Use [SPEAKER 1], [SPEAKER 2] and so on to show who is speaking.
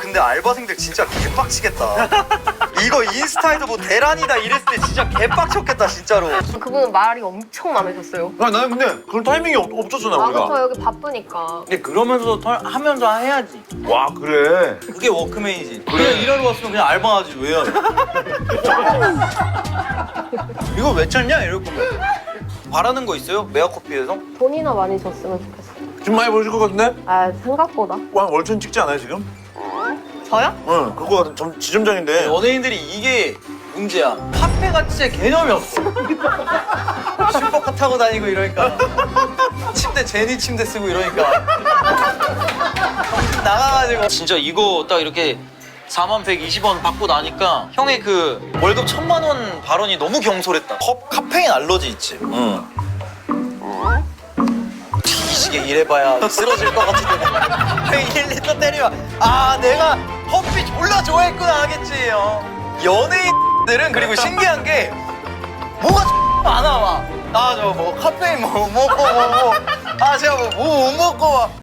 [SPEAKER 1] 근데 알바생들 진짜 개빡치겠다. 이거 인스타에도 뭐 대란이다 이랬을 때 진짜 개빡쳤겠다 진짜로.
[SPEAKER 2] 그분은 말이 엄청 많으셨어요.
[SPEAKER 3] 아, 나는 근데 그럴 타이밍이 없었잖아
[SPEAKER 2] 아,
[SPEAKER 3] 우리가.
[SPEAKER 2] 그쵸. 여기 바쁘니까.
[SPEAKER 4] 근데 그러면서 하면서 해야지.
[SPEAKER 3] 와 그래.
[SPEAKER 4] 그게 워크맨이지. 그냥 일하러 왔으면 그냥 알바하지 왜 해야 돼? 이거 왜 찾냐? 이럴 거면. 바라는 거 있어요? 메아커피에서?
[SPEAKER 2] 돈이나 많이 줬으면 좋겠어요.
[SPEAKER 3] 좀 많이 보여줄 것 같은데?
[SPEAKER 2] 아, 생각보다.
[SPEAKER 3] 와 월천 찍지 않아요 지금?
[SPEAKER 2] 저요?
[SPEAKER 3] 응 그거 지점장인데.
[SPEAKER 4] 연예인들이 이게 문제야. 카페가 진짜 개념이 없어. 슈퍼카 타고 다니고 이러니까. 침대 제니 침대 쓰고 이러니까. 정신 나가가지고. 진짜 이거 딱 이렇게 4120원 받고 나니까 형의 그 월급 1000만 원 발언이 너무 경솔했다. 카페인 알러지 있지? 응. 뒤지게 일해봐야 쓰러질 것 같은데. 형이 1리터 때리면 아 내가 커피 졸라 좋아했구나 하겠지 형. 연예인들은 그리고 신기한 게 뭐가 많아 막. 아 저 뭐 카페인 뭐 먹고 아 제가 뭐 못 먹고 막